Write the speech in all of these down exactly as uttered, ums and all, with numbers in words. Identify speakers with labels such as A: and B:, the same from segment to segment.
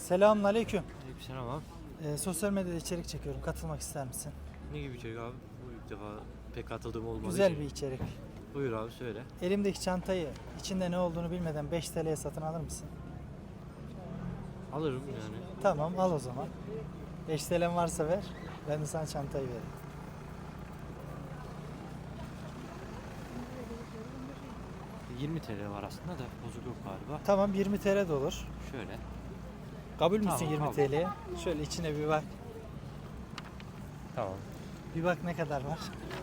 A: Selamünaleyküm.
B: Aleykümselam abi.
A: Ee, sosyal medyada içerik çekiyorum. Katılmak ister misin?
B: Ne gibi içerik abi? Bu ilk defa pek katıldığım olmadı.
A: Güzel bir içerik.
B: Buyur abi söyle.
A: Elimdeki çantayı içinde ne olduğunu bilmeden beş T L'ye satın alır mısın?
B: Alırım yani.
A: Tamam, al o zaman. beş T L'm varsa ver. Ben de sana çantayı vereyim.
B: yirmi T L var aslında da bozuk yok galiba.
A: Tamam, yirmi T L de olur.
B: Şöyle.
A: Kabul müsün
B: Tamam,
A: yirmi
B: kabul.
A: T L'ye? Şöyle içine bir bak.
B: Tamam.
A: Bir bak ne kadar var.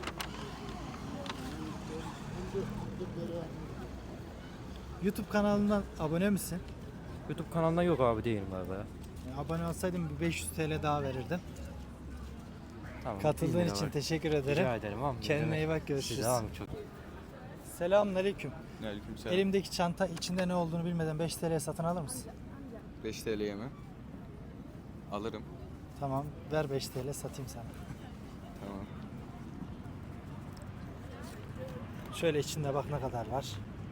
A: YouTube kanalından abone misin?
B: YouTube kanalına yok abi değilim galiba ya.
A: Yani abone olsaydım bir beş yüz T L daha verirdim.
B: Tamam.
A: Katıldığın
B: bin lira
A: için
B: var.
A: teşekkür ederim.
B: Rica ederim abi.
A: Kendine iyi bak, görüşürüz.
B: Size abi çok.
A: Selamünaleyküm.
C: Aleykümselam.
A: Elimdeki çanta içinde ne olduğunu bilmeden beş T L'ye satın alır mısın?
C: beş T L'ye mi? Alırım.
A: Tamam, ver beş T L satayım sana.
C: Tamam.
A: Şöyle içinde bak ne kadar var.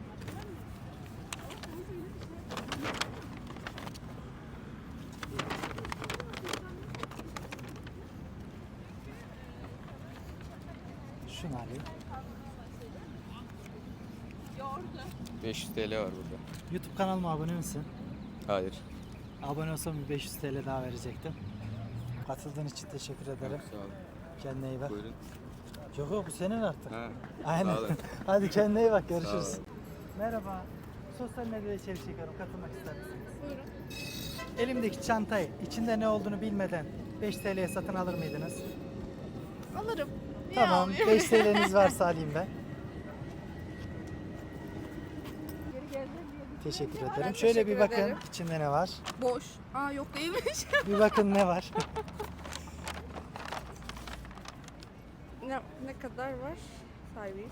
A: Şunu alayım.
C: beş yüz T L var burada.
A: YouTube kanalıma abone misin?
C: Hayır.
A: Abone olsam bir beş yüz T L daha verecektim. Katıldığın için teşekkür ederim.
C: Sağ olun.
A: Kendine iyi bak.
C: Buyurun.
A: Yok yok, bu senin artık.
C: Ha.
A: Aynen.
C: Sağ olun.
A: Hadi kendine iyi bak,
C: Sağ
A: görüşürüz.
C: olun.
A: Merhaba. Sosyal medyada içerik çekiyorum. Katılmak ister misiniz? Elimdeki çantayı içinde ne olduğunu bilmeden beş T L'ye satın alır mıydınız?
D: Alırım. Niye
A: Tamam.
D: almayayım?
A: beş T L'niz varsa alayım ben. Teşekkür ederim.
D: Ben
A: Şöyle
D: teşekkür
A: bir bakın
D: ederim.
A: içinde ne var.
D: Boş. Aa yok değilmiş.
A: Bir bakın ne var.
D: ne, ne kadar var? Sahibi.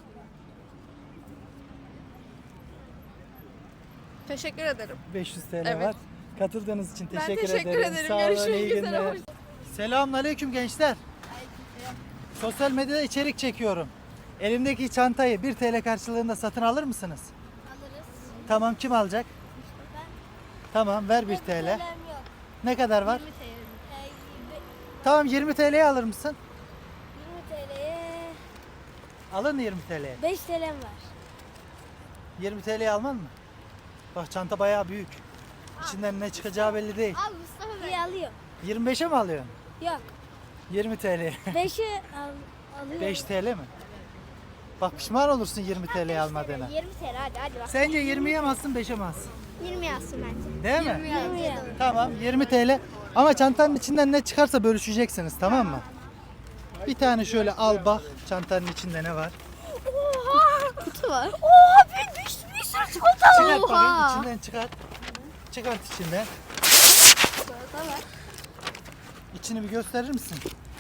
D: Teşekkür ederim.
A: beş yüz T L
D: Evet.
A: var. Katıldığınız için
D: Ben
A: teşekkür,
D: teşekkür
A: ederim.
D: ederim.
A: Sağ olun,
D: Görüşmek
A: iyi
D: üzere.
A: günler.
D: Hoş-
A: Selamünaleyküm gençler. Sosyal medyada içerik çekiyorum. Elimdeki çantayı bir T L karşılığında satın alır mısınız?
E: Alırız.
A: Tamam, kim alacak?
E: Ben
A: Tamam, ver bir T L.
E: yok.
A: Ne kadar var?
E: yirmi T L. Ee,
A: Tamam, yirmi T L'ye alır mısın?
E: yirmi T L'ye
A: Alın yirmi T L'ye.
E: beş T L'm var.
A: yirmi T L'ye alman mı? Bak çanta bayağı büyük. İçinden ne çıkacağı belli değil.
E: Al Mustafa Bey. İyi alıyorum.
A: yirmi beşe mi alıyorsun?
E: Yok.
A: yirmi T L'ye.
E: beşi al, alıyorum.
A: beş T L mi? Bak pişman olursun yirmi T L'ye almadığına.
E: yirmi T L hadi hadi bak.
A: Sence yirmiye mi alsın, beşe mi alsın?
E: yirmi yazsın bence.
A: Değil mi?
E: yirmi.
A: Tamam, yirmi T L. Ama çantanın içinden ne çıkarsa bölüşeceksiniz, tamam mı? Bir tane şöyle al bak çantanın içinde ne var.
E: Oha! Kutu var. Oha! Bir, bir, bir sürü çikolata var.
A: Çıkart bakayım, içinden çıkart. Çıkart içinden.
E: Çikolata var.
A: İçini bir gösterir misin?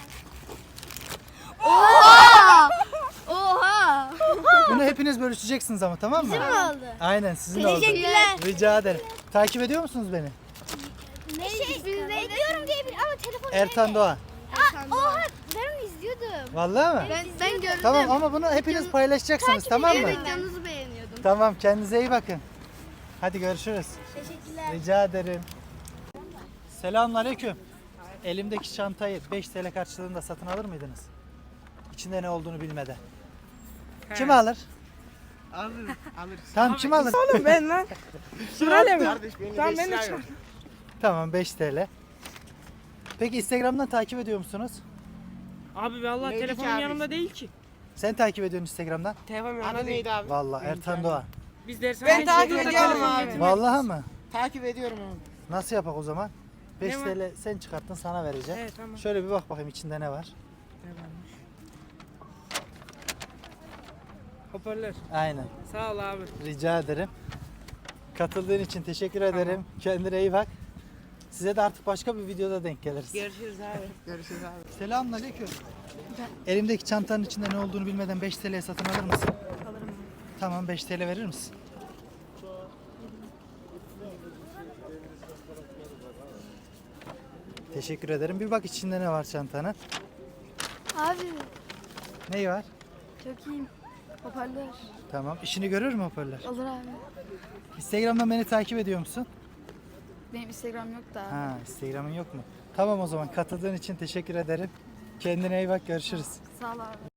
E: Oha!
A: Bunu hepiniz bölüşeceksiniz ama, tamam mı?
E: Bizim mi oldu?
A: Aynen, sizin oldu.
E: Teşekkürler.
A: Rica ederim. Takip ediyor musunuz beni?
E: Ne şey, izliyorum diye bir ama telefonu
A: Ertan Doğan.
E: Aa, oha! Ben onu izliyordum.
A: Vallahi mi?
E: Ben, ben gördüm.
A: Tamam ama bunu hepiniz paylaşacaksınız, tamam mı?
E: Videonuzu beğeniyordum.
A: Tamam, kendinize iyi bakın. Hadi görüşürüz.
E: Teşekkürler.
A: Rica ederim. Selamünaleyküm. Elimdeki çantayı beş T L karşılığında satın alır mıydınız? İçinde ne olduğunu bilmeden. Kim alır?
F: Alırız, alırız.
A: Tamam, kim alır?
F: Oğlum ben lan. Sırayla mı? Tamam ben de
A: şey Tamam, beş T L. Peki Instagram'dan takip ediyor musunuz?
F: Abi vallahi
G: Neydi
F: telefonum
G: ki abi?
F: yanımda değil ki.
A: Sen takip ediyorsun Instagram'dan.
F: Telefonum
G: Adı
F: yanımda değil.
G: neydi abi?
A: Vallahi Ertan Doğan.
F: Biz dershaneye
G: Ben takip
F: çıkıyoruz da
G: ediyorum
F: telefon
G: abi.
F: getirmedik.
A: Vallahi mı?
G: Takip ediyorum abi.
A: Nasıl yapak o zaman? beş
F: Ne var?
A: T L sen çıkarttın, sana vereceğim.
F: Evet tamam.
A: Şöyle bir bak bakayım içinde ne var.
F: Ne varmış? Hoparlör.
A: Aynen.
F: Sağ ol abi.
A: Rica ederim. Katıldığın için teşekkür ederim. Kendine iyi bak. Size de artık başka bir videoda denk geliriz.
F: Görüşürüz abi. Görüşürüz abi.
A: Selamünaleyküm. Elimdeki çantanın içinde ne olduğunu bilmeden beş T L'ye satın alır mısın?
F: Alırım.
A: Tamam, beş T L verir misin? Teşekkür ederim. Bir bak içinde ne var çantanın.
E: Abi
A: Neyi var?
E: çok iyiyim. Hoparlör.
A: Tamam. İşini görür mü hoparlör?
E: Olur abi.
A: Instagram'dan beni takip ediyor musun?
E: Benim Instagram yok da.
A: Ha, Instagram'ın yok mu? Tamam o zaman katıldığın için teşekkür ederim. Kendine iyi bak, görüşürüz.
E: Sağ ol abi.